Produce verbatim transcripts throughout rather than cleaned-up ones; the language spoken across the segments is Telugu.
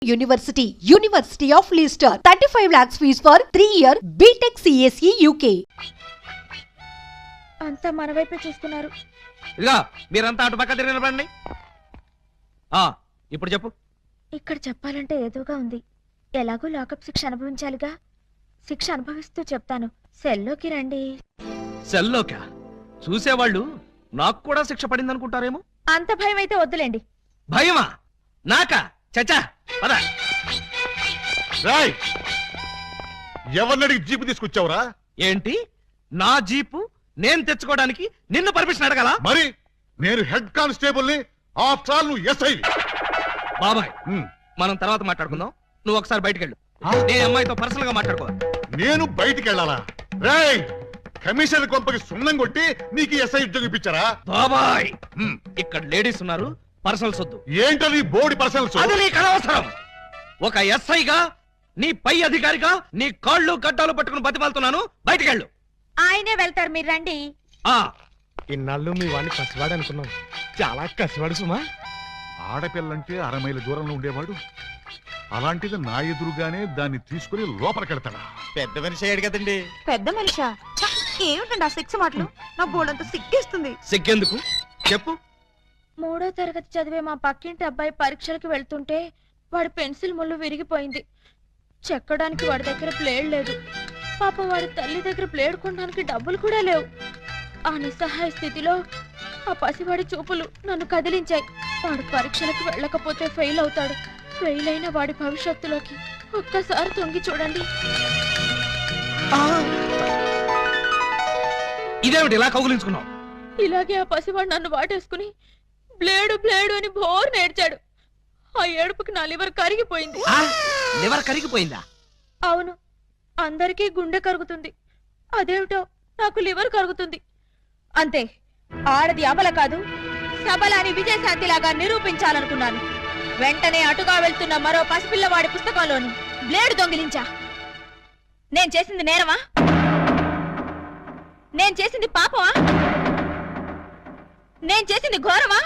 University, University of Leicester, thirty-five lakhs fees for three year B Tech C S E U K. అంతా మన వైపే చూస్తున్నారు. ఇదిగా మీరంతా అటు పక్క తిరిగి నిలబడండి. ఆ ఇప్పుడు చెప్పు. ఇక్కడ చెప్పాలంటే ఏదోగా ఉంది. ఎలాగో లాకప్ శిక్ష అనుభవించాలిగా. శిక్ష అనుభవిస్తూ చెప్తాను. సెల్లోకి రండి. సెల్లోకా? చూసేవాళ్ళు నాకు కూడా శిక్ష పడింది అనుకుంటారేమో. అంత భయం అయితే వద్దులేండి. భయమా? నాకా? చచ్చా పద. రాయ్, ఎవరినడికి జీపు తీసుకొచ్చావురా? ఏంటి నా జీపు నేను తెచ్చుకోవడానికి నిన్ను పర్మిషన్ అడగాల? మరి నేను హెడ్ కానిస్టేబుల్ ని, ఆఫ్టర్ ఆల్ నువ్వు ఎస్ఐ. బాబాయ్, మనం తర్వాత మాట్లాడుకుందాం. నువ్వు ఒకసారి బయటికి వెళ్ళు. నేను అమ్మాయితో పర్సనల్ గా మాట్లాడుకోవాలి. నేను బయటికి వెళ్ళాలా? రాయ్, కమిషనర్ కొంపకి సున్నం కొట్టి నీకు ఎస్ఐ ఉద్యోగం ఇప్పించారా? బాబాయ్, ఇక్కడ లేడీస్ ఉన్నారు, పర్సనల్ సొద్దు. ఏంటది బోర్డు పర్సనల్స్? అది నీకు అనవసరం. ఒక ఎస్ఐగా నీ పై అధికారిగా నీ కాళ్ళు గడ్డాలు పట్టుకుని బతిమాలుతున్నాను. బయటికి వెళ్ళు. ఆయనే వెళ్తారు, మీరు రండి. ఆ ఇన్నాళ్ళు మీ వాడిని కసివాడు అనుకున్నాం. చాలా కసివాడు సుమా. ఆడపిల్లంటే అర మైల దూరంలో ఉండేవాడు, అలాంటిది నా ఎదురుగానే దాన్ని తీసుకుని లోపలికెడతాడా? పెద్ద మనిషి అయ్యాడు కదండి. పెద్ద మనిషా? ఏమిటండి ఆ సిక్స్ మాటలు? నా బోర్డంతా సిగ్గేస్తుంది. సిగ్గెందుకు చెప్పు. మూడో తరగతి చదివే మా పక్కింటి అబ్బాయి పరీక్షలకు వెళ్తుంటే వాడి పెన్సిల్ ముళ్ళు విరిగిపోయింది. చెక్కడానికి వాడి దగ్గర ప్లేడ్ లేదు. పాపం వాడి తల్లి దగ్గర ప్లేడ్ కొనడానికి డబ్బులు కూడా లేవు. ఆ నిస్సహాయ స్థితిలో ఆ పసివాడి చూపులు నన్ను కదిలించాయి. వాడు పరీక్షలకు వెళ్ళకపోతే ఫెయిల్ అవుతాడు. ఫెయిల్ అయిన వాడి భవిష్యత్తులోకి ఒక్కసారి తొంగి చూడండి. ఇదేమిటి ఇలా కౌగులించుకున్నావు? ఇలాగే ఆ పసివాడు నన్ను వాటేసుకుని బ్లేడు బ్లేడు అని బోర్ నేర్చాడు. ఆ ఏడుపుకి నా లివర్ కరిగిపోయింది. లివర్ కరిగిపోయిందా? అవును, అందరికీ గుండె కరుగుతుంది, అదేమిటో నాకు లివర్ కరుగుతుంది. అంతే, ఆడది అమల కాదు సబల అని విజయశాంతిలాగా నిరూపించాలనుకున్నాను. వెంటనే అటుగా వెళ్తున్న మరో పసిపిల్లవాడి పుస్తకంలోని బ్లేడు దొంగిలించా. నేను చేసింది నేరమా? నేను చేసింది పాపమా? నేను చేసింది ఘోరమా?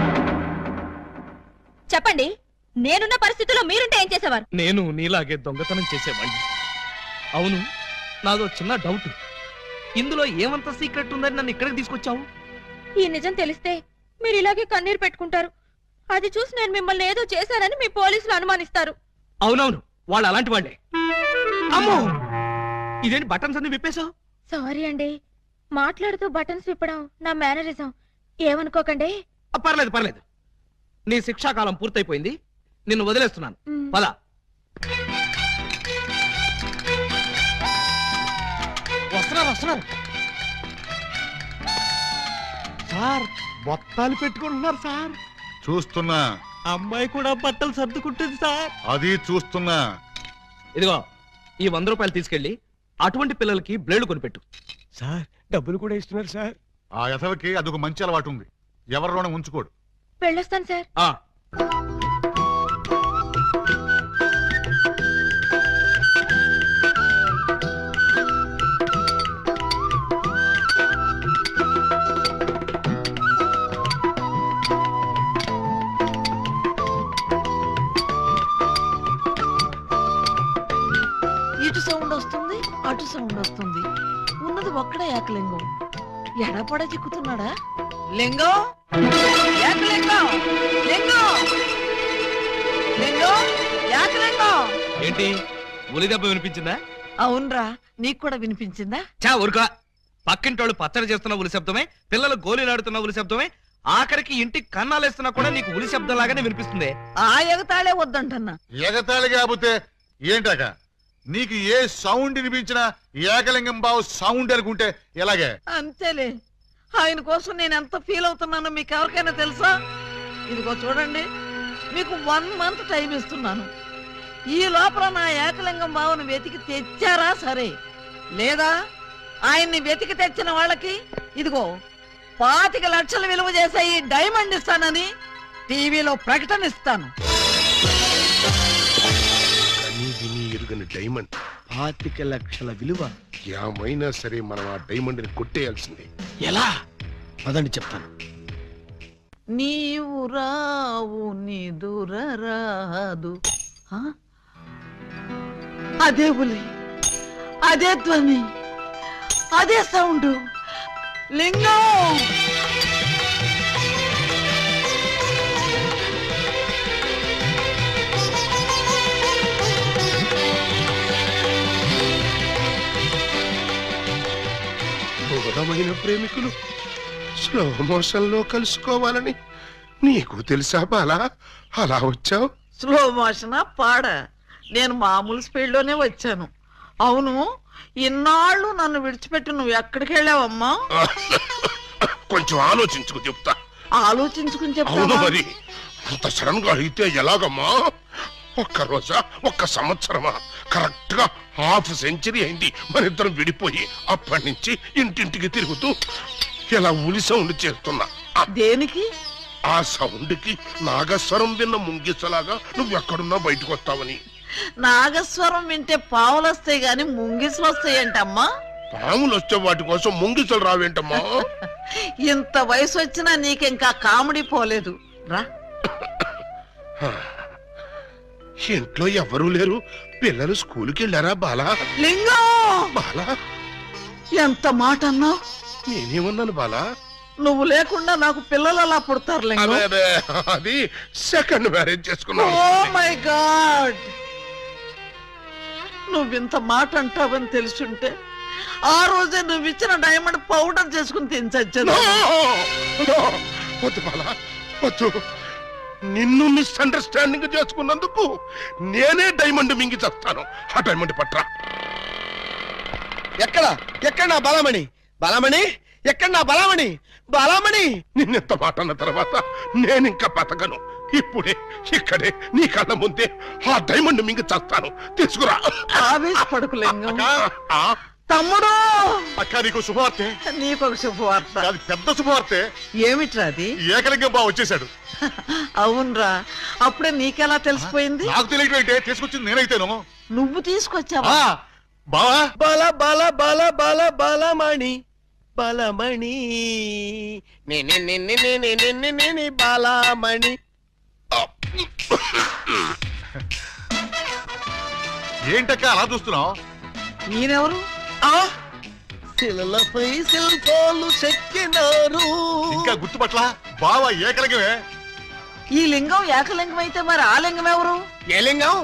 చెప్పండి, నేనున్న పరిస్థితుల్లో మీరుంటే ఏం చేసేవారు? నేను నీలాగే దొంగతనం చేసేవాడిని. అవును, నాదో చిన్న డౌట్. ఇందులో ఏమంత సీక్రెట్ ఉందని నన్ను ఇక్కడికి తీసుకొచ్చావు? ఈ నిజం తెలిస్తే మీరు ఇలాగే కన్నీరు పెట్టుకుంటారు. అది చూసి నేను మిమ్మల్ని ఏదో చేశానని మీ పోలీసులు అనుమానిస్తారు. అవునవును, వాళ్ళు అలాంటి వాళ్ళే. అమ్మో, ఇదేంటి బటన్స్ అన్ని విప్పేశావు? సారీ అండి, మాట్లాడుతూ బటన్స్ విప్పడం నా మేనరిజం, ఏమనుకోకండి. పర్లేదు పర్లేదు, నీ శిక్షాకాలం పూర్తయిపోయింది. నిన్ను వదిలేస్తున్నాను. పద. వస్తున్నారు వస్తున్నారు సార్. బొత్తాలు పెట్టుకుంటున్నారు సార్. చూస్తున్నా. అమ్మాయి కూడా బట్టలు సర్దుకుంటుంది సార్. అది చూస్తున్నా. ఇదిగో, ఈ వంద రూపాయలు తీసుకెళ్లి అటువంటి పిల్లలకి బ్లేడ్ కొనిపెట్టు. సార్ డబ్బులు కూడా ఇస్తున్నారు సార్. ఆ యథవకి అదొక మంచి అలవాటు ఉంది, ఎవరిలోనే ఉంచుకోడు. వెళ్ళొస్తాను సార్. ఆ ఇటు సౌండ్ వస్తుంది, అటు సౌండ్ వస్తుంది. ఉన్నది ఒక్కడే ఏకలింగం. ఎడపడ చిక్కుతున్నాడా? లింగం, ఏకలింగం, లింగం, లింగం, ఏకలింగం. ఏంటి, ఉలి దెబ్బ వినిపించిందా? అవునరా, నీకు కూడా వినిపించిందా? చా ఊరుకా. పక్కింటోళ్ళు పచ్చడి చేస్తున్న ఉలి శబ్దమే, పిల్లలు గోళీలాడుతున్న ఉలి శబ్దమే, ఆఖరికి ఇంటికి కన్నాలేస్తున్నా కూడా నీకు ఉలి శబ్దం లాగానే వినిపిస్తుంది. ఆ ఎగతాళే వద్దంటన్నా. ఎగతాళి కాకపోతే ఏంటాక? నీకు ఏ సౌండ్ వినిపించినా ఏకలింగం బావు సౌండ్ అనుకుంటే ఎలాగే? అంతేలే, ఆయన కోసం నేను ఎంత ఫీల్ అవుతున్నానో మీకు ఎవరికైనా తెలుసా? ఇదిగో చూడండి, మీకు వన్ మంత్ టైం ఇస్తున్నాను. ఈ లోపల నా ఏకలింగం బావును వెతికి తెచ్చారా సరే, లేదా ఆయన్ని వెతికి తెచ్చిన వాళ్ళకి ఇదిగో పాతిక లక్షలు విలువ చేసే ఈ డైమండ్ ఇస్తానని టీవీలో ప్రకటన ఇస్తాను. డైమండ్ పాతిక లక్షల విలువ. ఏమైనా సరే మనం ఆ డైమండ్ ని కొట్టేయాల్సిందే. ఎలా? పదండి చెప్తాను. నీవు రావు నిదుర రాదు ఆ? అదే ఉలి, అదే ధ్వని, అదే సౌండ్. లింగం బోధమైన ప్రేమికులు స్లో మోషన్ లో కలుసుకోవాలని నీకు తెలుసా బాలా? అలా వచ్చావు. స్లో మోషనా పాడ? నేను మామూలు స్పీడ్ లోనే వచ్చాను. అవును, ఇన్నాళ్ళు నన్ను విడిచిపెట్టి నువ్వు ఎక్కడికి వెళ్ళావమ్మా? కొంచెం ఆలోచించుకు చెప్తా. ఆలోచించుకుని అవును చెప్తావా? మరి అంత సడన్ గా అయితే ఎలాగమ్మా? ఒక్క రోజా, ఒక్క సంవత్సరమా? కరెక్ట్ గా హాఫ్ సెంచరీ అయింది మన ఇద్దరం విడిపోయి. అప్పటి నుంచి ఇంటింటికి తిరుగుతూ ఇలా ఉలి సౌండ్ చేస్తున్నా. ఆ- దేనికి? ఆ సౌండ్ కి నాగస్వరం విన్న ముంగిసలాగా నువ్వెక్కడున్నా బయటకు వస్తావని. నాగస్వరం వింటే పావులు వస్తాయి గాని ముంగిసులు వస్తాయంటమ్మా. పాములు వచ్చే వాటి కోసం ముంగిసలు రావేంటమ్మా? ఇంత వయసు వచ్చినా నీకింకా కామెడీ పోలేదు. రా. ఇంట్లో ఎవరూ లేరు. పిల్లలు స్కూల్కి వెళ్ళారా బాలా? లింగం, బాలా, ఎంత మాట అన్నావు? నేనేమన్నాను బాలా? నువ్వు లేకుండా నాకు పిల్లలు అలా పుడతారు లింగం. అదే అదే, అది సెకండ్ మ్యారేజ్ చేసుకున్నాను. ఓ మై గాడ్, నువ్వింత మాట అంటావని తెలుసుంటే ఆ రోజే నువ్వు ఇచ్చిన డైమండ్ పౌడర్ చేసుకుని తినచచ్చేది. No! No! వద్దు బాలా, వద్దు. నిన్ను మిస్అండర్స్టాండింగ్ చేసుకున్నందుకు నేనే డైమండ్ మింగి చేస్తాను. ఆ డైమండ్ పట్రా. ఎక్కడ ఎక్కడ నా బలమణి? బలమణి ఎక్కడ నా బలమణి? బలమణి నిన్నెంత మాట అన్న తర్వాత నేనింకా బతకను. ఇప్పుడే ఇక్కడే నీ కళ్ళ ముందే ఆ డైమండ్ మింగి చేస్తాను. తీసుకురా. ఆవేశపడకు లింగం. ఆ, తమ్ముడు, అక్క నీకు శుభవార్తె. నీకొక శుభవార్త. అది పెద్ద శుభవార్తె. ఏమిట్రా అది? ఏకలింగం బావ వచ్చేసాడు. అవునరా, అప్పుడే నీకెలా తెలిసిపోయింది? నాకు తెలియటం ఏంటే, తీసుకొచ్చింది నేనైతేను. నువ్వు తీసుకొచ్చావా? ఆ, బావా బల బల బల బల బలమణి బలమణి నేనే నిన్నే నేనే నిన్నే నేనే బలమణి. ఏంటక్క అలా చూస్తున్నావు? ఈయనెవరు? ఆ శిలలపై శిల్పాలు చెక్కినారు. ఇంకా గుర్తుపట్ల బావా ఏకలింగమే. ఈ లింగం ఏకలింగం అయితే మరి ఆ లింగం ఎవరు? ఏ లింగం?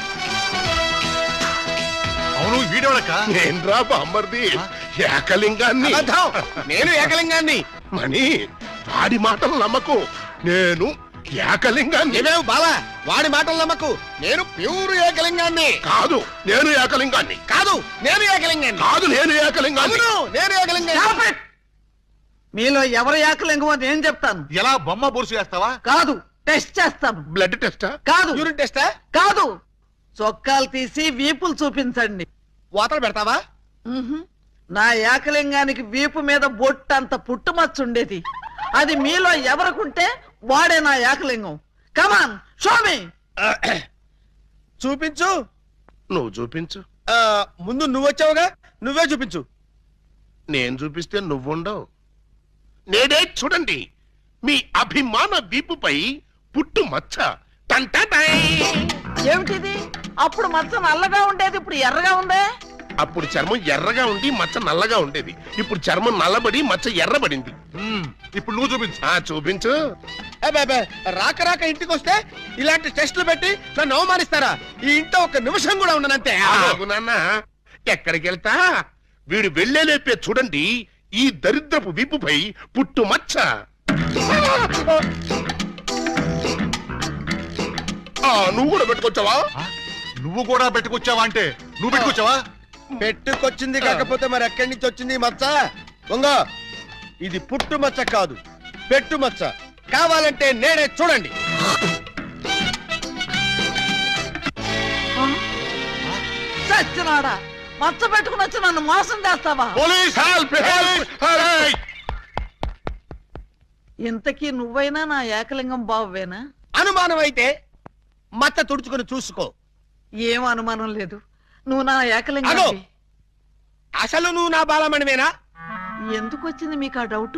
అవును, వీడెవడక్క? నేను రా బామ్మర్ది, ఏకలింగాన్ని. అబద్ధం. నేను ఏకలింగాన్ని. మణి, వాడి మాటలు నమ్మకు. నేను ఏకలింగాన్ని. ఏమేవు బాలా, వాడి మాటలు నమ్మకు. నేను ప్యూర్ ఏకలింగాన్ని. కాదు, నేను ఏకలింగాన్ని. కాదు, నేను ఏకలింగాన్ని. కాదు, నేను ఏకలింగాన్ని. అవును, నేను ఏకలింగాన్ని. Stop it! మీలో ఎవరు ఏకలింగం అని నేను చెప్తాను. ఎలా బొమ్మ బొరుసు వేస్తావా? కాదు, టెస్ట్ చేస్తాను. బ్లడ్ టెస్టా? కాదు, యూరిన్ టెస్టా? కాదు, చొక్కాలు తీసి వీపులు చూపించండి. వాతలు పెడతావా? మ్హూ. నా ఏకలింగానికి వీపు మీద బొట్టంత పుట్టుమచ్చ ఉండేది. అది మీలో ఎవరికుంటే వాడే నా ఏకలింగం. కమాన్, షో మీ. చూపించు. నువ్వు చూపించు. ఆ, ముందు నువ్వు వచ్చావుగా, నువ్వే చూపించు. నేను చూపిస్తే నువ్వుండవు. నేనే చూడండి, మీ అభిమాన వీపుపై పుట్టు మచ్చ. టంటటై. ఏమిటిది? అప్పుడు మచ్చ నల్లగా ఉండేది, ఇప్పుడు ఎర్రగా ఉందే. అప్పుడు చర్మం ఎర్రగా ఉండి మచ్చ నల్లగా ఉండేది. ఇప్పుడు చర్మం నల్లబడి మచ్చ ఎర్రబడింది. మ్మ్, ఇప్పుడు నువ్వు చూపించు. ఆ చూపించు. అబ్బే, అబ్బే, రాక రాక ఇంటికి వస్తే ఇలాంటి టెస్టులు పెట్టి నన్ను అవమానిస్తారా? ఈ ఇంట్లో ఒక నిమిషం కూడా ఉండనంతే. ఆగు నాన్న, ఎక్కడికి వెళ్తా? వీడు వెళ్ళేలేపే చూడండి, ఈ దరిద్రపు వీపుపై పుట్టు మచ్చ. ఆ, నువ్వు కూడా పెట్టుకొచ్చావా? ఆ, నువ్వు కూడా పెట్టుకొచ్చావా అంటే నువ్వు పెట్టుకొచ్చావా? పెట్టుకొచ్చింది కాకపోతే మరి ఎక్కడి నుంచి వచ్చింది ఈ మచ్చ? దొంగ, ఇది పుట్టు మచ్చ కాదు, పెట్టు మచ్చ. కావాలంటే నేనే చూడండి. చచ్చినాడా, మచ్చ పెట్టుకుని వచ్చి నన్ను మోసం చేస్తావా? Police help, help, help. ఇంతకీ నువ్వైనా నా ఏకలింగం బావేనా? అనుమానం అయితే మచ్చ తుడుచుకుని చూసుకో. ఏం అనుమానం లేదు, నువ్వు నా అగో, ఏకలింగం. అసలు నువ్వు నా బాలమణివేనా? ఎందుకు వచ్చింది మీకు ఆ డౌట్?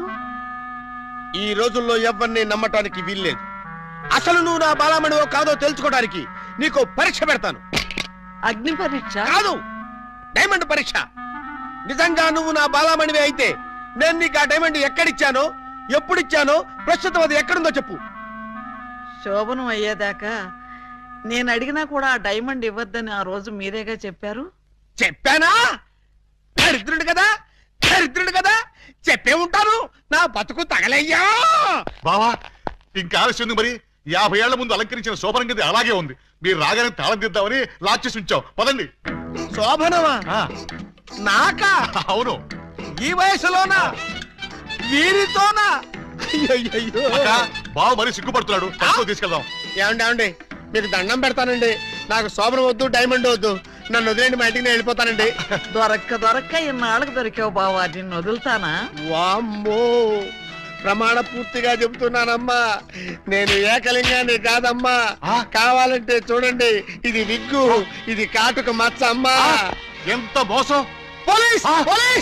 ఈ రోజుల్లో ఎవరిని నమ్మటానికి వీల్లేదు. అసలు నువ్వు నా బాలమణివో కాదో తెలుసుకోవడానికి నీకు పరీక్ష పెడతాను. అగ్ని పరీక్ష కాదు, డైమండ్ పరీక్ష. నిజంగా నువ్వు నా బాలామణివి అయితే నేను నీకు ఆ డైమండ్ ఎక్కడిచ్చానో, ఎప్పుడిచ్చానో, ప్రస్తుతం అది ఎక్కడుందో చెప్పు. శోభనం అయ్యేదాకా నేను అడిగినా కూడా ఆ డైమండ్ ఇవ్వద్దని ఆ రోజు మీరేగా చెప్పారు. చెప్పానా? దరిద్రుడు కదా, దరిద్రుడు కదా, చెప్పే ఉంటాను. నా బతుకు తగలయ్యా. బావా ఇంకా ఆలస్యం ఉంది మరి. యాభై ఏళ్ల ముందు అలంకరించిన శోభనం గది అలాగే ఉంది. మీరు రాగానే తాళం తీద్దామని లాక్ చేసి ఉంచాం. పదండి. శోభనమా? ఆ, నాకా? అవును. ఈ వయసులోనా? వీరితోనా? అయ్యయ్యయ్యో. అక్క, బావ మరీ సిగ్గుపడుతున్నాడు. తక్కువ తీసుకెళ్దాం. ఏమండి ఏమండి మీకు దండం పెడతానండి. నాకు శోభనం వద్దు, డైమండ్ వద్దు. నన్ను వదిలేండి, మా ఇంటికి నేను వెళ్ళిపోతానండి. దొరక్క దొరక్క ఇన్నాళ్ళకు దొరికావు బావా, నిన్ను వదులుతానా? వామ్మో, ప్రమాణ పూర్తిగా చెబుతున్నానమ్మా, నేను ఏకలింగాన్ని కాదమ్మా. ఆ? కావాలంటే చూడండి, ఇది విగ్గు, ఇది కాటుక మచ్చ అమ్మా. ఎంత మోసం! పోలీస్! ఆ? పోలీస్!